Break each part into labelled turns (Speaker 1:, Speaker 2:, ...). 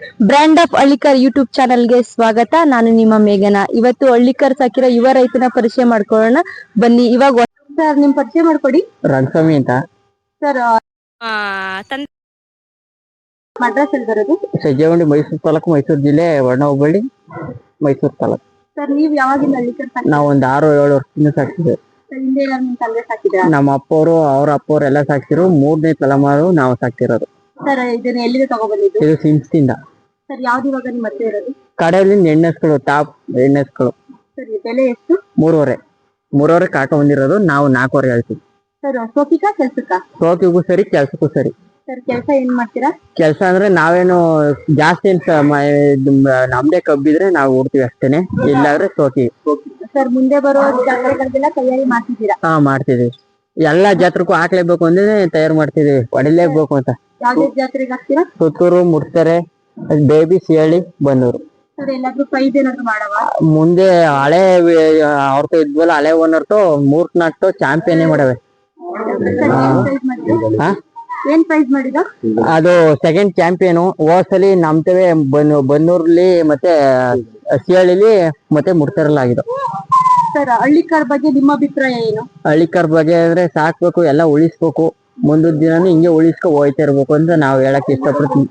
Speaker 1: Brand of Hallikar YouTube ಚಾನಲ್ಗೆ ಸ್ವಾಗತ. ನಾನು ನಿಮ್ಮ ಮೇಘನಾ. ಇವತ್ತು ಹಳ್ಳಿಕರ್ ಸಾಕಿರೋ ಯುವ ರೈತನ ಪರಿಚಯ ಮಾಡ್ಕೊಳ್ಳೋಣ ಬನ್ನಿ. ಇವಾಗ ಸರ್ ನಿಮ್ ಪರಿಚಯ ಮಾಡ್ಕೊಡಿ.
Speaker 2: ರಂಗಸ್ವಾಮಿ ಅಂತ
Speaker 1: ಸರ್ ಅಡ್ರೆಸ್ ಎಲ್ಲಿ ಬರೋದು?
Speaker 2: ಸಜ್ಜೆಗುಂಡಿ, ಮೈಸೂರು ತಾಲೂಕು, ಮೈಸೂರು ಜಿಲ್ಲೆ, ವರ್ಣ ಹೋಬಳಿ, ಮೈಸೂರು ತಾಲೂಕು.
Speaker 1: ಸರ್ ನೀವ್ ಯಾವಾಗಿಂದ ಹಳ್ಳಿಕರ್
Speaker 2: ನಾವು ಒಂದು 6-7 ವರ್ಷದಿಂದ ಸಾಕ್ತಿದ್ದೇವೆ.
Speaker 1: ಹಿಂದೆ ನಿಮ್ ತಂದೆ ಸಾಕಿದ್ರ?
Speaker 2: ನಮ್ಮ ಅಪ್ಪವರು ಅವ್ರ ಅಪ್ಪವ್ರು ಎಲ್ಲ ಸಾಕ್ತಿರು. 3ನೇ ತಲೆಮಾರು ನಾವು ಸಾಕ್ತಿರೋದು.
Speaker 1: ಸರ್ ಇದನ್ನ ಎಲ್ಲಿಗೆ ತಗೊಬಂದಿದ್ದು?
Speaker 2: ಇದು ಸಿಮ್ಸ್ತಿಂದ.
Speaker 1: ಸರ್ ಯಾವ್ದು ಇವಾಗ ನಿಮ್ಮ ಹತ್ರ ಇರೋದು?
Speaker 2: ಕಡೆಯಲ್ಲಿ ಎಣ್ಣೆಸ್ಗಳು, ಟಾಪ್ ಎಣ್ಣೆಸ್ಗಳು.
Speaker 1: ಸರ್ ಬೆಲೆ ಎಷ್ಟು?
Speaker 2: 3.5 ಕಾಟ ಬಂದಿರೋದು. ನಾವು 4.5 ಹೇಳ್ತೀವಿ.
Speaker 1: ಸರ್ ಸೋಕಿಕಾ ಕೆಲ್ಸಕ್ಕ?
Speaker 2: ಸೋಕಿಗೂ ಸರಿ, ಕೆಲ್ಸಕ್ಕೂ ಸರಿ.
Speaker 1: ಸರ್ ಕೆಲಸ ಏನ್ ಮಾಡ್ತೀರಾ?
Speaker 2: ಕೆಲಸ ಅಂದ್ರೆ ನಾವೇನು ಜಾಸ್ತಿ ನಮ್ದೇ ಕಬ್ಬಿದ್ರೆ ನಾವು ಓಡ್ತೀವಿ ಅಷ್ಟೇನೆ, ಇಲ್ಲಾದ್ರೆ ಸೋಕಿ.
Speaker 1: ಸರ್ ಮುಂದೆ ಬರೋ ಜಾತ್ರೆಗಳಿಗೆಲ್ಲ ತಯಾರಿ ಮಾಡ್ತಿದ್ದೀರಾ?
Speaker 2: ಹಾ, ಮಾಡ್ತಿದೀವಿ. ಎಲ್ಲಾ ಜಾತ್ರಕ್ಕೂ ಹಾಕ್ಲೇಬೇಕು ಅಂದ್ರೆ ತಯಾರು ಮಾಡ್ತಿದೀವಿ, ಹೊಡಿಲೇಬೇಕು ಅಂತ.
Speaker 1: ಯಾವ್ದೇ ಜಾತ್ರೆಗೆ ಹಾಕ್ತೀರಾ?
Speaker 2: ಸುತ್ತೂರು, ಮುಡ್ತಾರೆ, ಬೇಬಿ, ಸಿಹಳ್ಳಿ, ಬನ್ನೂರು.
Speaker 1: ಸರ್ ಎಲ್ಲಾದ್ರೂ ಪ್ರೈಸ್ ಏನಾದ್ರು ಮಾಡವಾ?
Speaker 2: ಮುಂದೆ ಹಳೆ ಅವ್ರతో ಇದ್ವಲ್ಲ, ಹಳೆ ಓನರ್ತು 3-4 ಚಾಂಪಿಯನ್ ಮಾಡವೆ.
Speaker 1: ಏನ್ ಪ್ರೈಸ್ ಮಾಡಿದ?
Speaker 2: ಅದು ಸೆಕೆಂಡ್ ಚಾಂಪಿಯನ್. ಹೋಸಲಿ ನಮ್ತವೆ ಬನ್ನೂರ್ಲಿ ಮತ್ತೆ ಸಿಹಳ್ಳಿಲಿ ಮತ್ತೆ ಮುಡ್ತಾರಲ್ಲ ಆಗಿದ್ದು.
Speaker 1: ಸರ್ ಹಳ್ಳಿಕರ್ ಬಗ್ಗೆ ನಿಮ್ಮ ಅಭಿಪ್ರಾಯ ಏನು?
Speaker 2: ಹಳ್ಳಿಕರ್ ಬಗ್ಗೆ ಅಂದ್ರೆ ಸಾಕ್ಬೇಕು, ಎಲ್ಲ ಉಳಿಸ್ಬೇಕು, ಮುಂದಿನ ದಿನಾನು ಹಿಂಗೆ ಉಳಿಸ್ಕೊ ಹೋಯ್ತಾ ಇರ್ಬೇಕು ಅಂತ ನಾವು ಹೇಳಕ್ ಇಷ್ಟಪಡ್ತೀವಿ.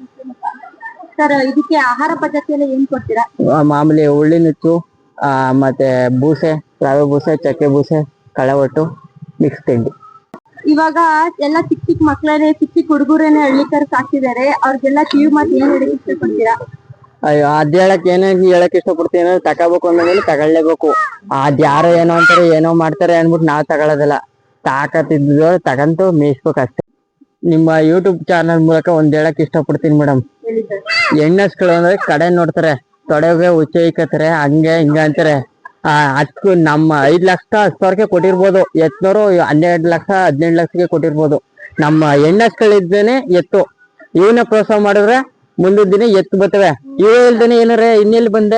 Speaker 1: ಸರ್ ಇದಕ್ಕೆ ಆಹಾರ ಪದ್ಧತಿಯಲ್ಲಿ ಏನ್ ಕೊಡ್ತೀರಾ?
Speaker 2: ಮಾಮೂಲಿ ಉಳ್ಳಿ ನುಚ್ಚು, ಮತ್ತೆ ಬೂಸೆ, ರವೆ ಬೂಸೆ, ಚಕ್ಕೆ ಬೂಸೆ, ಕಳೆ ಒಟ್ಟು, ಮಿಕ್ಸ್ ತಿಂಡಿ.
Speaker 1: ಇವಾಗ ಎಲ್ಲ ಚಿಕ್ಕ ಮಕ್ಕಳೇ, ಚಿಕ್ಕ ಹುಡುಗರೇನೆ ಹಳ್ಳಿಕರ್ ಸಾಕ್ತಿದ್ದಾರೆ. ಅವ್ರಿಗೆಲ್ಲ ಕಿವಿ ಮಾತು ಏನ್ ಹೇಳಕ್ ಇಷ್ಟಪಡ್ತೀರಾ?
Speaker 2: ಅಯ್ಯೋ, ಅದ್ ಹೇಳಕ್ ಇಷ್ಟಪಡ್ತೀನಿ ಅಂದ್ರೆ ತಗೋಬೇಕು ಅಂದ್ಮೇಲೆ ತಗೊಳ್ಳೇಬೇಕು. ಅದ್ ಯಾರೋ ಏನೋ ಅಂತಾರೆ, ಏನೋ ಮಾಡ್ತಾರೆ ಅನ್ಬಿಟ್ಟು ನಾವ್ ತಗೊಳ್ಳೋದಿಲ್ಲ. ತಾಕತ್ತಿದ್ದು ತಗಂತು ಮೇಯಿಸ್ಬೇಕು ಅಷ್ಟೇ. ನಿಮ್ಮ ಯೂಟ್ಯೂಬ್ ಚಾನಲ್ ಮೂಲಕ ಒಂದ್ ಹೇಳಕ್ ಇಷ್ಟಪಡ್ತೀನಿ ಮೇಡಮ್. ಹೆಣ್ಣಸ್ಗಳು ಅಂದ್ರೆ ಕಡೆ ನೋಡ್ತಾರೆ, ತೊಡೆಗೆ ಹುಚ್ಚ ಇಕ್ಕತ್ತಾರೆ, ಹಂಗೆ ಹಿಂಗ ಅಂತಾರೆ. ಅದಕ್ಕೂ ನಮ್ಮ 5 ಲಕ್ಷ 10 ಕೊಟ್ಟಿರ್ಬೋದು, ಎತ್ನೋರು 12 ಲಕ್ಷ 18 ಲಕ್ಷಕ್ಕೆ ಕೊಟ್ಟಿರ್ಬೋದು. ನಮ್ಮ ಹೆಣ್ಣಸ್ಗಳಿದ್ದೇನೆ ಎತ್ತು. ಇವನ್ನ ಪ್ರೋತ್ಸಾಹ ಮಾಡಿದ್ರೆ ಮುಂದಿನ ದಿನ ಎತ್ತು ಬರ್ತವೆ. ಇವ ಇಲ್ದೇನೆ ಏನಾರ ಇನ್ನೆಲ್ಲಿ ಬಂದೆ?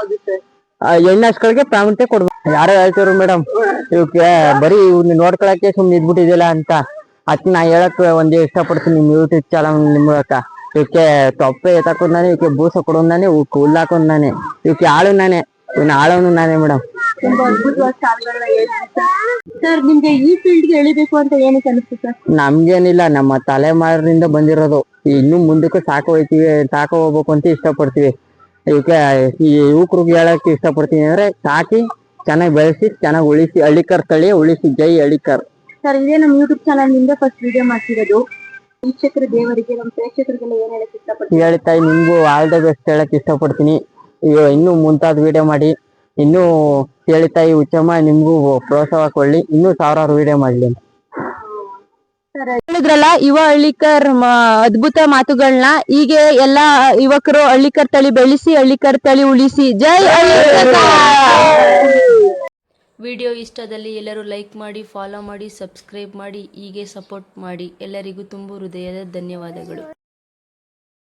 Speaker 2: ಹೆಣ್ಣಸ್ಗಳಿಗೆ ಪ್ರಾಮುಖ್ಯತೆ ಕೊಡ್ಬೇಕು. ಯಾರೋ ಹೇಳ್ತಿದ್ರು ಮೇಡಮ್, ಇವಕ್ಕೆ ಬರೀ ಇವ್ನ ನೋಡ್ಕೊಳಕ್ಕೆ ಸುಮ್ನೆ ಇದ್ಬಿಟ್ಟಿದಿಲ್ಲ ಅಂತ. ಅದ್ ನಾ ಹೇಳಕ್ ಒಂದ್ ಇಷ್ಟಪಡ್ತೀನಿ ನಿಮ್ ಯೂಟ್ಯೂಬ್ ಚಾನಲ್ ಮೂಲಕ. ಇವಕ್ಕೆ ತೊಪ್ಪೆ ಎತ್ತಾಕೊಂಡ್ ನಾನೇ, ಇವಕ್ಕೆ ಬೂಸ ಕೊಡೋನ್ ನಾನೇ, ಇವಕ್ಕೆ ಹುಲ್ಲು ಹಾಕೊಂಡ್ ನಾನೇ, ಇವಕ್ಕೆ ಆಳು ನಾನೇ, ಇವನ್ನ ಆಳೋನು ನಾನೇ ಮೇಡಮ್.
Speaker 1: ತುಂಬಾ ಅದ್ಭುತವಾದ ಸಾಲುಗಳನ್ನ ಹೇಳ್ತೀವಿ ಸರ್. ನಿಮ್ಗೆ ಈ ಫೀಲ್ಡ್ಗೆ ಎಳಿಬೇಕು ಅಂತ ಏನಕ್ಕೆ ಅನಿಸ್ತು ಸರ್?
Speaker 2: ನಮ್ಗೇನಿಲ್ಲ, ನಮ್ಮ ತಲೆಮಾರಿನಿಂದ ಬಂದಿರೋದು. ಇನ್ನು ಮುಂದಕ್ಕೂ ಸಾಕ ಹೋಗ್ಬೇಕು ಅಂತ ಇಷ್ಟಪಡ್ತೀವಿ. ಇವಕ್ಕೆ ಈ ಯುವಕರಿಗೆ ಹೇಳಕ್ ಇಷ್ಟಪಡ್ತೀನಿ ಅಂದ್ರೆ, ಸಾಕಿ ಚೆನ್ನಾಗಿ ಬೆಳೆಸಿ, ಚೆನ್ನಾಗಿ ಉಳಿಸಿ, ಹಳ್ಳಿಕರ್ ತಳಿ ಉಳಿಸಿ. ಜೈ ಹಳ್ಳಿಕರ್.
Speaker 1: ಸರ್ ಇದೇ ನಮ್ಮ ಯೂಟ್ಯೂಬ್ ಚಾನಲ್ ನಿಂದ ಫಸ್ಟ್ ವಿಡಿಯೋ ಮಾಡ್ತಿರೋದು. ವೀಕ್ಷಕರ ದೇವರಿಗೆ, ನಮ್ಮ ಪ್ರೇಕ್ಷಕರಿಗೆಲ್ಲ ಏನ್ ಹೇಳಕ್ ಇಷ್ಟಪಡ್ತೀನಿ?
Speaker 2: ಹೇಳ್ತಾ ನಿಮ್ಗೂ ಆಲ್ ದ ಬೆಸ್ಟ್ ಹೇಳಕ್ ಇಷ್ಟಪಡ್ತೀನಿ. ಇನ್ನೂ ಮುಂತಾದ ವಿಡಿಯೋ ಮಾಡಿ, ಇನ್ನೂ ಹೇಳ್ತಾಯಿ ಉಚ್ಚಮ್ಮ ನಿಮ್ಗೂ ಪ್ರೋತ್ಸಾಹ ಕೊಡ್ಲಿ, ಇನ್ನೂ 1000 ವಿಡಿಯೋ ಮಾಡ್ಲಿ ಅಂತ.
Speaker 1: ಹೇಳಿದ್ರಲ್ಲ ಯುವ ಹಳ್ಳಿಕರ್ ಅದ್ಭುತ ಮಾತುಗಳನ್ನ. ಹೀಗೆ ಎಲ್ಲಾ ಯುವಕರು ಹಳ್ಳಿಕರ್ ತಳಿ ಬೆಳೆಸಿ, ಹಳ್ಳಿಕರ್ ತಳಿ ಉಳಿಸಿ. ಜೈ ಹಳ್ಳಿಕರ್.
Speaker 3: ವಿಡಿಯೋ ಇಷ್ಟದಲ್ಲಿ ಎಲ್ಲರೂ ಲೈಕ್ ಮಾಡಿ, ಫಾಲೋ ಮಾಡಿ, ಸಬ್ಸ್ಕ್ರೈಬ್ ಮಾಡಿ, ಹೀಗೆ ಸಪೋರ್ಟ್ ಮಾಡಿ. ಎಲ್ಲರಿಗೂ ತುಂಬು ಹೃದಯದ ಧನ್ಯವಾದಗಳು.